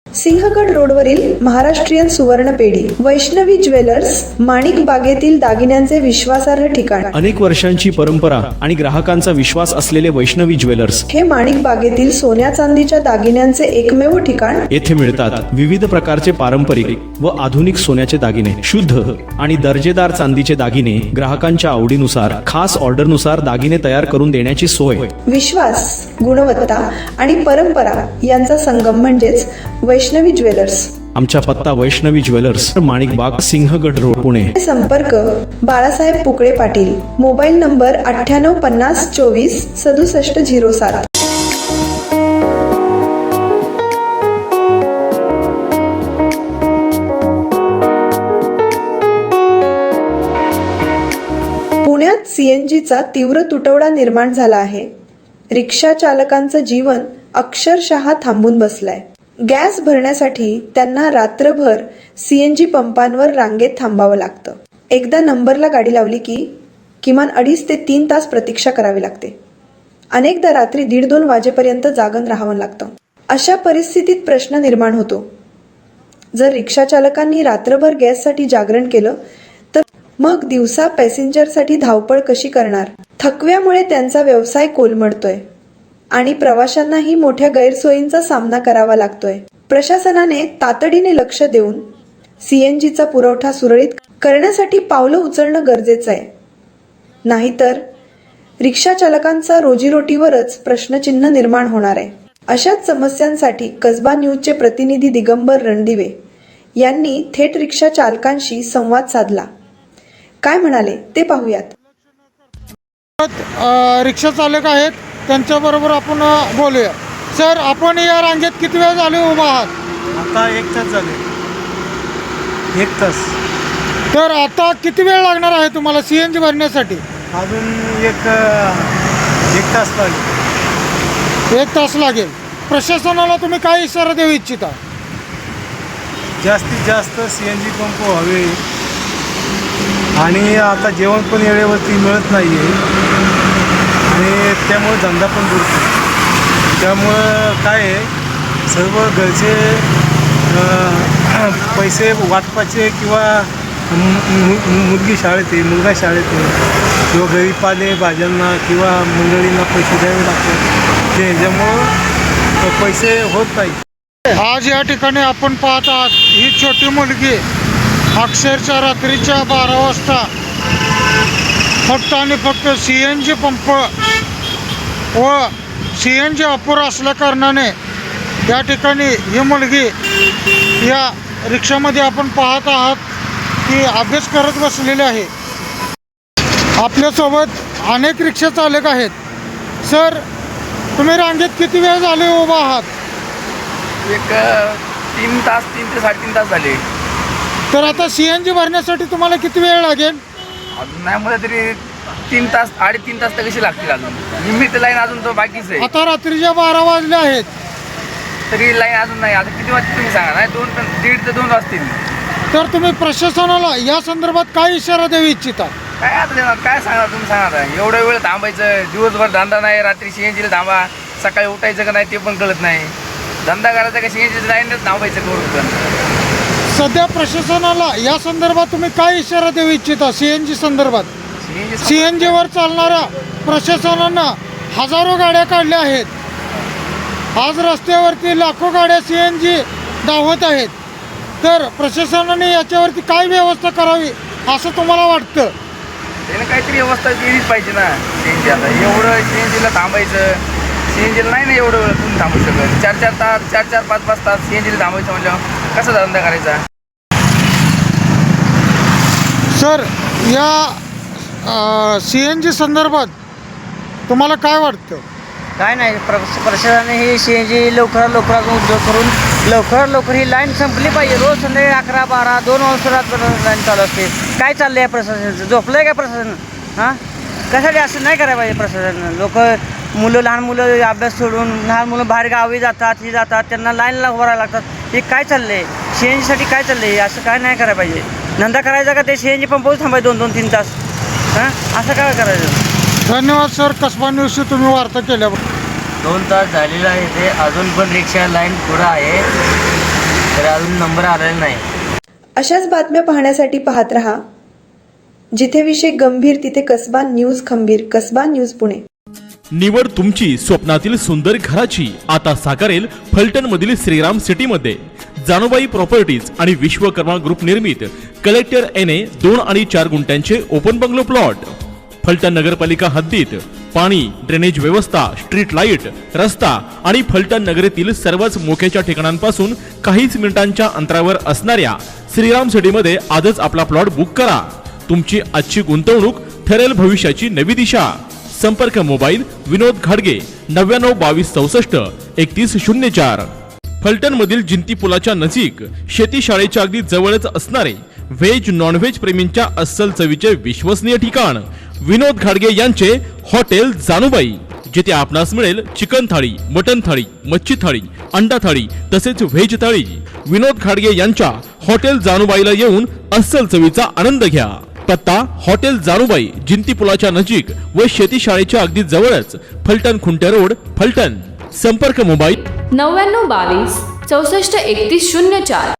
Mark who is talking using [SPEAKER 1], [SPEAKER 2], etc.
[SPEAKER 1] सिंहगड रोडवरील महाराष्ट्रीयन सुवर्ण पेढी वैष्णवी ज्वेलर्स, माणिक बागेतील दागिन्यांचे विश्वासार्ह ठिकाण.
[SPEAKER 2] अनेक वर्षांची परंपरा आणि ग्राहकांचा विश्वास असलेले वैष्णवी ज्वेलर्स
[SPEAKER 1] हे माणिक बागेतील सोन्या चांदीच्या दागिन्यांचे एकमेव ठिकाण.
[SPEAKER 2] येथे मिळतात विविध प्रकारचे पारंपरिक व आधुनिक सोन्याचे दागिने, शुद्ध आणि दर्जेदार चांदीचे दागिने ग्राहकांच्या आवडीनुसार खास ऑर्डरनुसार दागिने तयार करून देण्याची सोय.
[SPEAKER 1] विश्वास, गुणवत्ता आणि परंपरा यांचा संगम म्हणजेच वैष्णवी ज्वेलर्स.
[SPEAKER 2] आमचा पत्ता वैष्णवी ज्वेलर्स, माणिक बाग, सिंहगड रोड, पुणे.
[SPEAKER 1] संपर्क बाळासाहेब पुकळे पाटील. Mobile number 9850246707. पुण्यात सीएनजीचा तीव्र तुटवडा निर्माण झाला आहे. रिक्षा चालकांचं जीवन अक्षरशः थांबून बसलंय. गॅस भरण्यासाठी त्यांना रात्रभर सीएनजी पंपांवर रांगेत थांबावं लागतं. एकदा नंबरला गाडी लावली की किमान 2.5 ते 3 तास प्रतीक्षा करावी लागते. अनेकदा रात्री 1:30-2 वाजेपर्यंत जागून राहावं लागतं. अशा परिस्थितीत प्रश्न निर्माण होतो, जर रिक्षा चालकांनी रात्रभर गॅससाठी जागरण केलं तर मग दिवसा पॅसेंजरसाठी धावपळ कशी करणार? थकव्यामुळे त्यांचा व्यवसाय कोलमडतोय आणि प्रवाशांनाही मोठ्या गैरसोयींचा सामना करावा लागतोय. प्रशासनाने तातडीने लक्ष देऊन सीएनजीचा पुरवठा सुरळीत करण्यासाठी पावलं उचलणं गरजेचं आहे. नाहीतर रिक्षा चालकांचा रोजीरोटीवरच प्रश्नचिन्ह निर्माण होणार आहे. अशाच समस्यांसाठी कसबा न्यूजचे प्रतिनिधी दिगंबर रणदिवे यांनी थेट रिक्षा चालकांशी संवाद साधला. काय म्हणाले ते पाहूयात.
[SPEAKER 3] रिक्षा चालक आहेत, त्यांच्याबरोबर आपण बोलूया. सर, आपण या रांगेत किती वेळ झाले उभा आहात?
[SPEAKER 4] आता 1 तास झाले. 1 तास.
[SPEAKER 3] तर आता किती वेळ लागणार आहे तुम्हाला सीएनजी भरण्यासाठी?
[SPEAKER 4] अजून एक तास लागेल.
[SPEAKER 3] 1 तास लागेल. प्रशासनाला तुम्ही काय इशारा देऊ इच्छिता?
[SPEAKER 4] जास्तीत जास्त सीएनजी पंप व्हावे आणि आता जेवण पण वेळेवरती मिळत नाही आहे आणि त्यामुळे धंदा पण बुडतो. त्यामुळं काय आहे, सर्व घरचे पैसे वाटपाचे किंवा मुलगी शाळेत आहे, मुलगा शाळेत आहे किंवा घरी पाले भाज्यांना किंवा मंडळींना पैसे द्यावे लागतात. त्याच्यामुळं पैसे होत नाही.
[SPEAKER 3] आज या ठिकाणी आपण पाहत आहात, ही छोटी मुलगी अक्षरशः रात्रीच्या 12 वाजता फक्त आणि फक्त सीएनजी पंप व सीएनजी अपुरा असल्या कारणाने या ठिकाणी ही मुलगी या रिक्षामध्ये आपण पाहत आहात की अभ्यास करत बसलेली आहे. आपल्यासोबत अनेक रिक्षा चालक आहेत. सर, तुम्ही रांगेत किती वेळ झाले उभा आहात?
[SPEAKER 5] 3 ते 3.5 तास झाले.
[SPEAKER 3] तर आता सीएनजी भरण्यासाठी तुम्हाला किती वेळ लागेल?
[SPEAKER 5] अजून नाही मला तरी 3 तास 3.5 तास तर कशी लागतील अजून. निमित्त लाईन अजून तर बाकीच आहे.
[SPEAKER 3] आता रात्रीच्या 12 वाजले आहेत
[SPEAKER 5] तरी लाईन अजून नाही. आता किती वाजता तुम्ही सांगा? नाही 1.5 ते 2 वाजतील.
[SPEAKER 3] तर तुम्ही प्रशासनाला या संदर्भात काय इशारा देऊ इच्छिता?
[SPEAKER 5] काय आता देणार, काय सांगणार तुम्ही सांगा आता. एवढा वेळ थांबायचं, दिवसभर धंदा नाही, रात्री सीएनजीला थांबा, सकाळी उठायचं का नाही ते पण कळत नाही. धंदा करायचा का सीएनजी लाईनच थांबायचं करून पण.
[SPEAKER 3] सध्या प्रशासनाला या संदर्भात तुम्ही काय इशारा देऊ इच्छिता? सीएनजी संदर्भात सीएनजीवर चालणाऱ्या प्रशासनानं हजारो गाड्या काढल्या आहेत. आज रस्त्यावरती लाखो गाड्या सीएनजी धावत आहेत. तर प्रशासनाने याच्यावरती काय व्यवस्था करावी असं तुम्हाला वाटतं?
[SPEAKER 5] त्याने काहीतरी व्यवस्था केलीच पाहिजे ना सीएनजी. आता एवढं सीएनजीला थांबायचं, सीएनजीला नाही ना एवढं वेळ तुम्ही थांबू शकत. 4-4 तास 4-4, 5-5 तास सीएनजीला थांबायचं म्हणल्यावर कसा धंदा करायचा?
[SPEAKER 3] सर, या सीएनजी संदर्भात तुम्हाला काय वाटतं?
[SPEAKER 6] काय नाही, प्रशासनाने ही सीएनजी लवकरात उद्योग करून लवकर ही लाईन संपली पाहिजे. रोज संध्याकाळी 11, 12, 2 वाजता लाईन चालू असते. काय चाललं आहे प्रशासन? झोपलं आहे का प्रशासन? हां, कशासाठी असं नाही करायला पाहिजे प्रशासन. लहान मुलं अभ्यास सोडून लहान मुलं बाहेर गावी जातात, त्यांना लाईनला उभं राहायला लागतात. हे काय चाललं आहे? सीएनजीसाठी काय चाललं आहे? असं काय नाही करायला पाहिजे. धंदा करायचा का ते सीएनजी पंपावर थांबायचं 2-2, 3 तास? हां, असं काय करायचं?
[SPEAKER 3] धन्यवाद सर, कसबा न्यूजशी तुम्ही वार्ता केल्याबद्दल.
[SPEAKER 6] 2 तास झालेला आहे ते, अजून पण रिक्षा लाईन पुढं आहे. अजून नंबर आलेला नाही.
[SPEAKER 1] अशाच बातम्या पाहण्यासाठी पाहत रहा. जिथे विषय गंभीर तिथे कसबा न्यूज खंबीर. कसबा न्यूज पुणे.
[SPEAKER 7] निवड तुमची स्वप्नातील सुंदर घराची आता साकारेल फलटण मधील श्रीराम सिटी मध्ये. जानुबाई प्रॉपर्टीज आणि विश्वकर्मा ग्रुप निर्मित कलेक्टर एने 2 आणि 4 गुंठ्यांचे ओपन बंगलो प्लॉट. फलटण नगरपालिका हद्दीत पाणी, ड्रेनेज व्यवस्था, स्ट्रीट लाईट, रस्ता आणि फलटण नगरीतील सर्वच मोक्याच्या ठिकाणांपासून काहीच मिनिटांच्या अंतरावर असणाऱ्या श्रीराम सिटीमध्ये आजच आपला प्लॉट बुक करा. तुमची आजची गुंतवणूक ठरेल भविष्याची नवी दिशा. संपर्क मोबाईल विनोद घाडगे 99 22 64 31 04. फलटण मधील जिंती पुलाच्या नजीक शेती शाळेच्या अगदी जवळच असणारे व्हेज नॉन व्हेज प्रेमींच्या अस्सल चवीचे विश्वसनीय ठिकाण विनोद घाडगे यांचे हॉटेल जानुबाई, जिथे आपणास मिळेल चिकन थाळी, मटन थाळी, मच्छी थाळी, अंडा थाळी तसेच व्हेज थाळी. विनोद घाडगे यांच्या हॉटेल जानुबाईला येऊन अस्सल चवीचा आनंद घ्या. पत्ता हॉटेल जानुबाई, जिंती पुलाच्या नजीक व शेती शाळेच्या अगदी जवळच, फलटण खुंटे रोड, फलटण. संपर्क मोबाईल
[SPEAKER 8] 99 22 64 31 04.